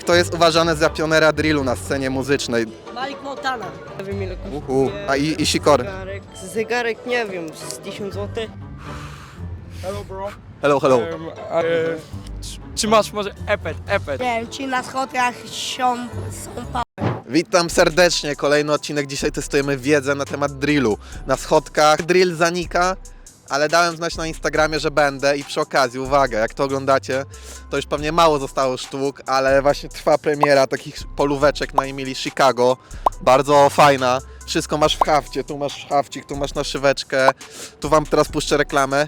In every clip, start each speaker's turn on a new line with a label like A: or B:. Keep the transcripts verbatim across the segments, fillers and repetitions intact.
A: Kto jest uważany za pionera drillu na scenie muzycznej?
B: Malik Montana. Nie wiem ile kosztuje.
A: Uhu. A i, i Sikory?
B: Zegarek, zegarek nie wiem, z tysiąc złotych.
C: Hello bro.
A: Hello, hello.
C: Um, e, czy- czy masz może epet, epet?
D: Nie wiem, ci na schodach są, są pa...
A: Witam serdecznie, kolejny odcinek. Dzisiaj testujemy wiedzę na temat drillu. Na schodkach drill zanika, ale dałem znać na Instagramie, że będę i przy okazji, uwaga, jak to oglądacie, to już pewnie mało zostało sztuk, ale właśnie trwa premiera takich polóweczek na Emilii Chicago. Bardzo fajna. Wszystko masz w hafcie, tu masz hafcik, tu masz naszyweczkę. Tu wam teraz puszczę reklamę.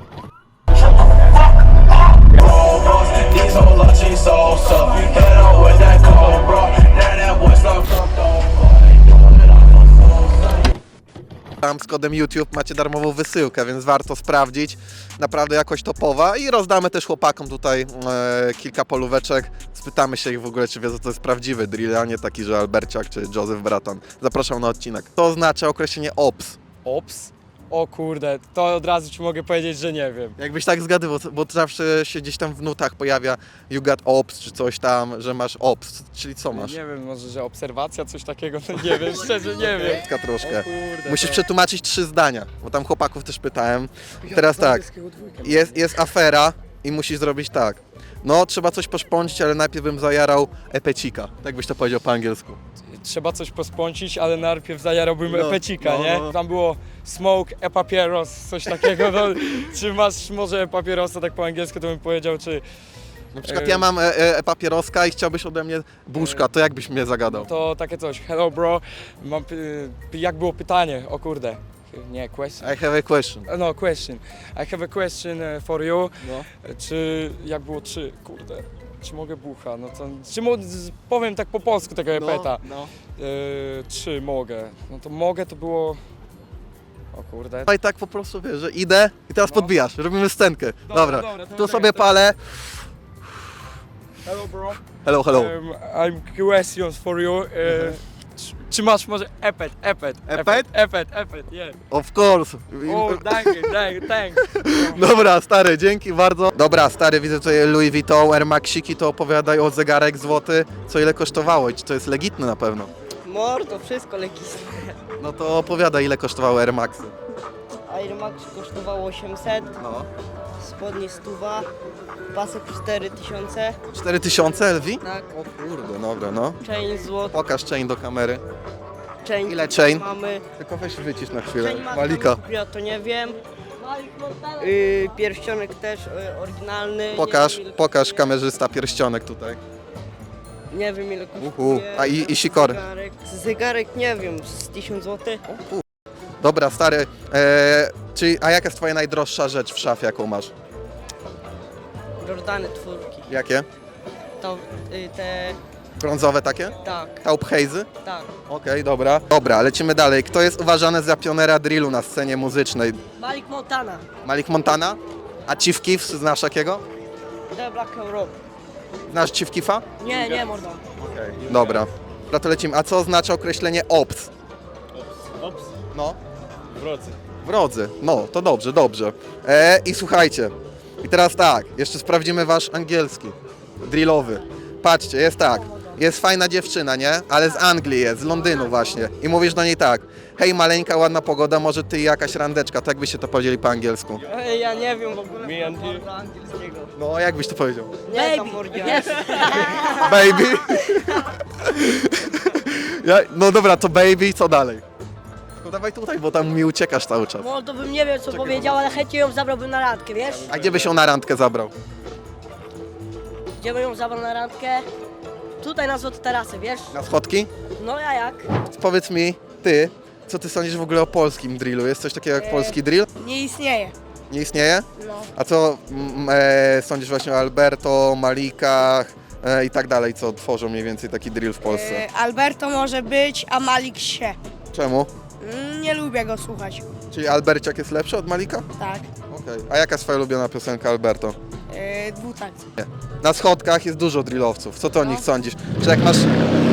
A: Tam z kodem YouTube macie darmową wysyłkę, więc warto sprawdzić. Naprawdę jakoś topowa i rozdamy też chłopakom tutaj e, kilka polóweczek. Spytamy się ich w ogóle, czy wiedzą, co to jest prawdziwy drill, a nie taki, że Alberciak czy Joseph Bratan. Zapraszam na odcinek. To oznacza określenie ops.
C: Ops? O kurde, to od razu ci mogę powiedzieć, że nie wiem.
A: Jakbyś tak zgadywał, bo zawsze się gdzieś tam w nutach pojawia you got ops, czy coś tam, że masz ops, czyli co masz?
C: Nie wiem, może że obserwacja, coś takiego, no nie wiem, szczerze nie wiem.
A: Taka troszkę.
C: O kurde,
A: Musisz
C: to-
A: przetłumaczyć trzy zdania, bo tam chłopaków też pytałem. Teraz tak, jest, jest afera i musisz zrobić tak. No, trzeba coś poszpącić, ale najpierw bym zajarał epecika. Tak byś to powiedział po angielsku.
C: Trzeba coś pospącić, ale najpierw zajarałbym
A: No,
C: epecika,
A: no,
C: nie?
A: no.
C: Tam było smoke, e-papieros, coś takiego, no, czy masz może e-papierosa, tak po angielsku, to bym powiedział, czy
A: Na przykład
C: E,
A: ja mam e, e, papieroska i chciałbyś ode mnie buszka, to jak byś mnie zagadał?
C: to takie coś. Hello bro, mam, py- jak było pytanie, o kurde, nie, question.
A: I have a question.
C: No, question. I have a question uh, for you.
A: No.
C: Czy, jak było, czy, kurde, czy mogę bucha? No to, czy mo, z- powiem tak po polsku tego epeta.
A: no.
C: Y, czy mogę? No to mogę to było, o kurde.
A: No i tak po prostu wiesz, że idę i teraz
C: No.
A: podbijasz, robimy scenkę. Dobra,
C: dobra, to
A: tu
C: tak,
A: sobie
C: to-
A: palę.
C: Hello bro.
A: Hello, hello.
C: Um, I'm questions for you. Uh, czy, czy masz może epet, epet?
A: Epet?
C: Epet, epet, yeah.
A: Of course.
C: O, thank you, thank you, thanks.
A: Dobra, stary, dzięki bardzo. Dobra, stary, widzę tutaj Louis Vuitton, Air Maxiki, to opowiadaj o zegarek złoty, co ile kosztowało i czy to jest legitne na pewno.
B: Mordo, wszystko lekkie.
A: No to opowiadaj, ile kosztowały Air Maxy.
B: Air Max kosztowało osiemset,
A: No.
B: spodnie stuwa, pasek cztery tysiące,
A: cztery tysiące L V?
B: tak,
A: O kurde, dobra, no.
B: chain złoty,
A: Pokaż chain do kamery.
B: chain
A: Ile chain?
B: mamy,
A: Tylko weź wycisz na chwilę.
B: chain ma
A: Malika.
B: ja to nie wiem, yy, pierścionek też yy, oryginalny,
A: Pokaż,
B: nie wiem, ile
A: pokaż
B: kosztuje.
A: kamerzysta pierścionek tutaj.
B: Nie wiem ile
A: Uhu.
B: kosztuje.
A: A i, i Sikory.
B: Zegarek, zegarek nie wiem, z tysiąc złotych.
A: Dobra, stary, e, czyli, a jaka jest twoja najdroższa rzecz w szafie, jaką masz?
B: Jordany czwórki.
A: Jakie?
B: To y, te,
A: Brązowe takie?
B: tak,
A: Taubheizy?
B: tak.
A: Okej, dobra. Dobra, lecimy dalej. Kto jest uważany za pionera drillu na scenie muzycznej?
B: Malik Montana,
A: Malik Montana? A Chief Keef, znasz takiego?
B: The Black Europe.
A: Znasz Chief Keefa?
B: Nie, nie mordo.
A: Dobra. Dobra, to lecimy. A co oznacza określenie ops?
C: Ops,
A: No.
C: wrodzy.
A: Wrodzy. No, to dobrze, dobrze. E, I słuchajcie. I teraz tak, jeszcze sprawdzimy wasz angielski. Drillowy. Patrzcie, jest tak. Jest fajna dziewczyna, nie? Ale z Anglii jest, z Londynu właśnie. I mówisz do niej tak. Hej, maleńka, ładna pogoda, może ty i jakaś randeczka. Tak byście to powiedzieli po angielsku.
B: Ej, ja nie wiem w ogóle
C: Me and you.
B: mordo angielskiego.
A: No, jak byś to powiedział?
B: Nie, tam mordia.
A: Baby. Ja, no dobra, to baby, co dalej? No dawaj tutaj, bo tam mi uciekasz cały czas.
E: Mordo bym nie wiem co
A: Czekaj,
E: powiedział, ale chętnie ją zabrałbym na randkę, wiesz?
A: A gdzie byś ją na randkę zabrał?
E: Gdzie bym ją zabrał na randkę? Tutaj na Złote Tarasy, wiesz?
A: Na schodki?
E: No ja jak?
A: Powiedz mi, ty, co ty sądzisz w ogóle o polskim drillu? Jest coś takiego jak
E: E,
A: polski drill?
D: Nie istnieje.
A: Nie istnieje?
E: No.
A: A co mm, e, sądzisz właśnie o Alberto, Malikach e, i tak dalej, co tworzą mniej więcej taki drill w Polsce?
D: E, Alberto może być, a Malik się.
A: Czemu?
D: Mm, Nie lubię go słuchać.
A: Czyli Alberciak jest lepszy od Malika?
D: Tak.
A: Okej. A jaka jest twoja ulubiona piosenka Alberto?
D: E, Dwutakt.
A: Na schodkach jest dużo drillowców. Co ty o nich sądzisz? Czy jak masz...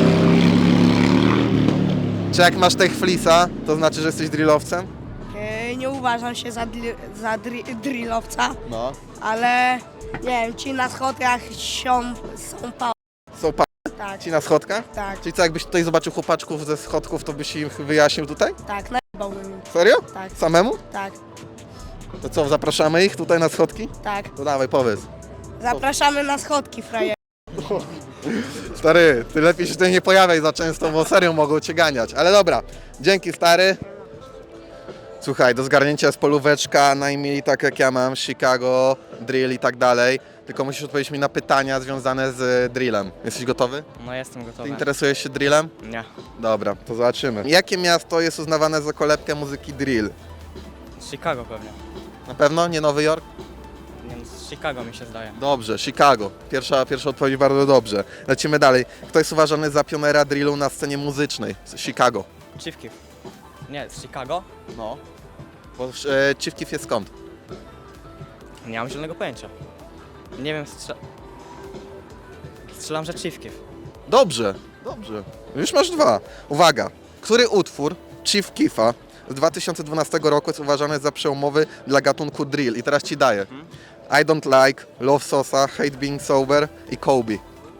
A: Czy jak masz tech flisa, to znaczy, że jesteś drillowcem?
D: E, Nie uważam się za, dli, za dri, drillowca,
A: No.
D: ale nie wiem, ci na schodach są, są pa...
A: Są pa...
D: Tak,
A: Ci na schodkach?
D: tak,
A: Czyli co, jakbyś tutaj zobaczył chłopaczków ze schodków, to byś im wyjaśnił tutaj?
D: tak, najebałbym im.
A: Serio?
D: Tak,
A: Samemu?
D: tak,
A: To co, zapraszamy ich tutaj na schodki?
D: tak.
A: To dawaj, powiedz.
D: Zapraszamy na schodki, frajer.
A: Stary, ty lepiej się tutaj nie pojawiaj za często, bo serio mogą cię ganiać. Ale dobra, dzięki stary. Słuchaj, do zgarnięcia jest polóweczka, najmniej tak jak ja mam, Chicago, drill i tak dalej. Tylko musisz odpowiedzieć mi na pytania związane z drillem. Jesteś gotowy?
C: No jestem
A: Ty
C: gotowy.
A: interesujesz się drillem?
C: Nie.
A: Dobra, to zobaczymy. Jakie miasto jest uznawane za kolebkę muzyki drill?
C: Chicago pewnie.
A: Na pewno? Nie Nowy Jork?
C: Nie wiem, z Chicago mi się zdaje.
A: Dobrze, Chicago. Pierwsza, pierwsza odpowiedź bardzo dobrze. Lecimy dalej. Kto jest uważany za pionera drillu na scenie muzycznej? Z Chicago.
C: Chief Keef. Nie, z Chicago?
A: No. Bo e, Chief Keef jest skąd?
C: Nie mam zielonego pojęcia. Nie wiem, strze... strzelam, że Chief Keef.
A: Dobrze, dobrze. Już masz dwa. Uwaga. Który utwór Chief Keefa z dwa tysiące dwunastego roku jest uważany za przełomowy dla gatunku drill? I teraz ci daję. I Don't Like, Love Sosa, Hate Being Sober i Kobe.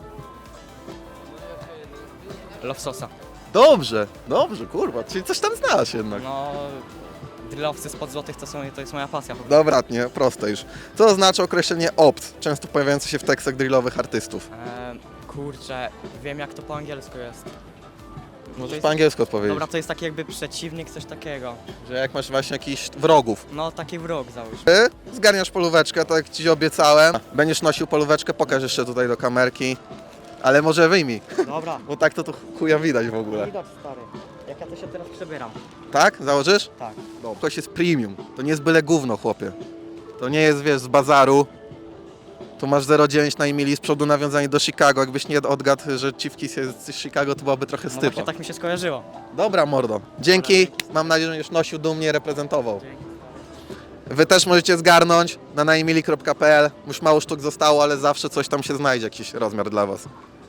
C: Love Sosa.
A: Dobrze, dobrze, kurwa. Czyli coś tam znasz jednak.
C: No, drillowcy spod złotych to, są, to jest moja pasja. po prostu.
A: Dobra, nie, proste już. Co oznacza określenie opt, często pojawiające się w tekstach drillowych artystów?
C: Eee, kurczę, wiem jak to po angielsku jest.
A: Możesz po angielsku odpowiedzieć.
C: Dobra, to jest taki jakby przeciwnik, coś takiego.
A: Że jak masz właśnie jakichś wrogów.
C: No, taki wróg załóż.
A: Ty zgarniasz polóweczkę, tak jak ci obiecałem. Będziesz nosił polóweczkę, pokaż jeszcze tutaj do kamerki. Ale może wyjmij,
C: Dobra.
A: bo tak to tu chuja widać w ogóle.
C: Widać, stary. Jak ja to się teraz przebieram.
A: Tak? Założysz?
C: Tak.
A: No. Ktoś jest premium. To nie jest byle gówno, chłopie. To nie jest, wiesz, z bazaru. Tu masz zero dziewięć na Emilii, z przodu nawiązanie do Chicago. Jakbyś nie odgadł, że Chief Keef jest z Chicago, to byłaby trochę
C: No
A: stypa.
C: właśnie tak mi się skojarzyło.
A: Dobra, mordo. Dzięki. Mam nadzieję, że będziesz nosił dumnie, reprezentował. Wy też możecie zgarnąć na naemili kropka p l. Już mało sztuk zostało, ale zawsze coś tam się znajdzie, jakiś rozmiar dla was.